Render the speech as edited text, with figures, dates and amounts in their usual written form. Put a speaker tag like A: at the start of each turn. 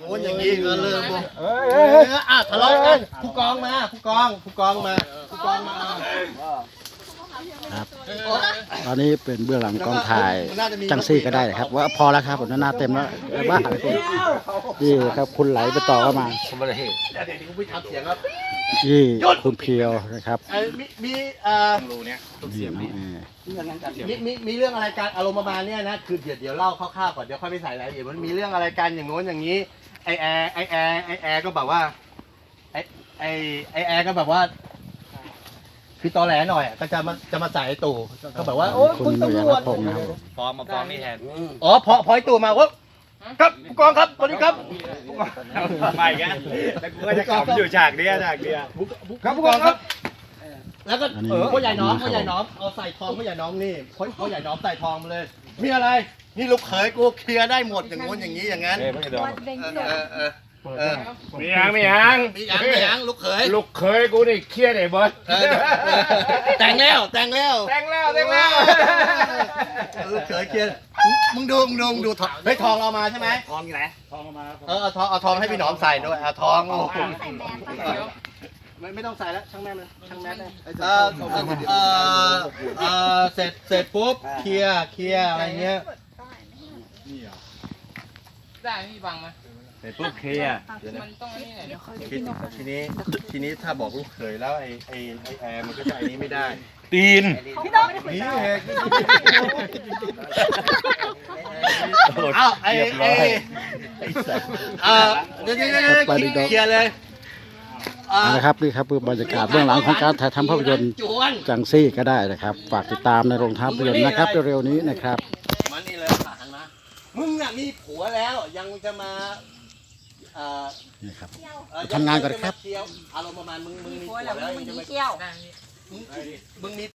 A: โอ้ยอย่างนี้ก็เริ่มทะเลาะกันผู้กองมาผู้กองมา
B: ครับตอนนี้เป็นเบื้องหลังกองถ่ายจังซี่ก็ได้ครับว่าพอแล้วครับผมหน้าเต็มแล้วบ้านี่ครับคุณไหลไปต่อเข้ามา
A: ผมไม่ได้เห็นเดี๋ยวคุณพี่ทำเสียงครับ
B: นี่คุณเพียวนะครับ
A: มี
C: รูเนี้ย
A: มีเรื่องอะไรการอารมณ์ประมาณเนี้ยนะคือเดี๋ยวเล่าคร่าวๆก่อนเดี๋ยวค่อยไปใส่รายละเอียดมันมีเรื่องอะไรกันอย่างโน้นอย่างนี้ไอแอร์ก็แบบว่าไอแอร์ก็แบบว่าคือตอแหลหน่อยก็จะมาใส่ไอตู่ก็แบบว่าโอ้คุณตำรวจ
C: ฟอร์มมาฟอร์มนี่แทน
A: อ๋อพอไอตู่มาว่าครับผู้กองครับสวัสดีครับ
C: ไม่กันแล้วกูก็จะขับอยู่ฉากเนี้ย
A: ครับผู้กองครับแล้วก็พ่อใหญ่น้องเอาใส่ทองพ่อใหญ่น้องนี่พ่อใหญ่น้องใส่ทองมาเลย มีอะไรนี่ลูกเขยกูเคลียร์ได้หมดอย่างงู้นอย่างนี้อย่างนั้น
C: มียัง
A: ลูกเขย
C: ลูกเคยกูนี่เครียดไอ้บอส
A: แต่งแล้ว ลูกเขยเคลียร์มึงดูทองเฮ้ยทองเอามาใช่ไหม
C: ทองอยู่ไหนทองมา
A: เอาทองให้พี่หนอมใส่ด้วยเอาทองไม่ต้องใส่แล้วช่างแม่เลยช่างแม่เลยเสร็จปุ๊บเคลียร์อะไรเงี้ย
D: ได้พี่บังไหม
C: เสร็จปุ๊บเคลียร์
D: มันต้องนี่ไหนเดี๋ยว
A: ทีนี้ถ้าบอกลูกเขยแล้วไอ้แอร์มันก็จะไอ้นี้ไม่ได้
C: ตีน
A: นี่เองอ้าวเดี๋ยวเคลียร์เลย
B: นะครับนี่ครับคือบรรยากาศเบื้องหลังของการถ่ายทำภาพยนตร์จังซี่ก็ได้นะครับฝากติดตามในโรงภาพยนตร์นะครับเร็วๆนี้นะครับ
A: มานี่เลยหันมามึงน่ะมีผัวแล้วยังจะมา
B: นี่ครับทำงานก่อนครับ
A: อารมณ์ประมาณมึงมีผัวแล้วยังจะมา
D: เที่ยว
A: มึงมี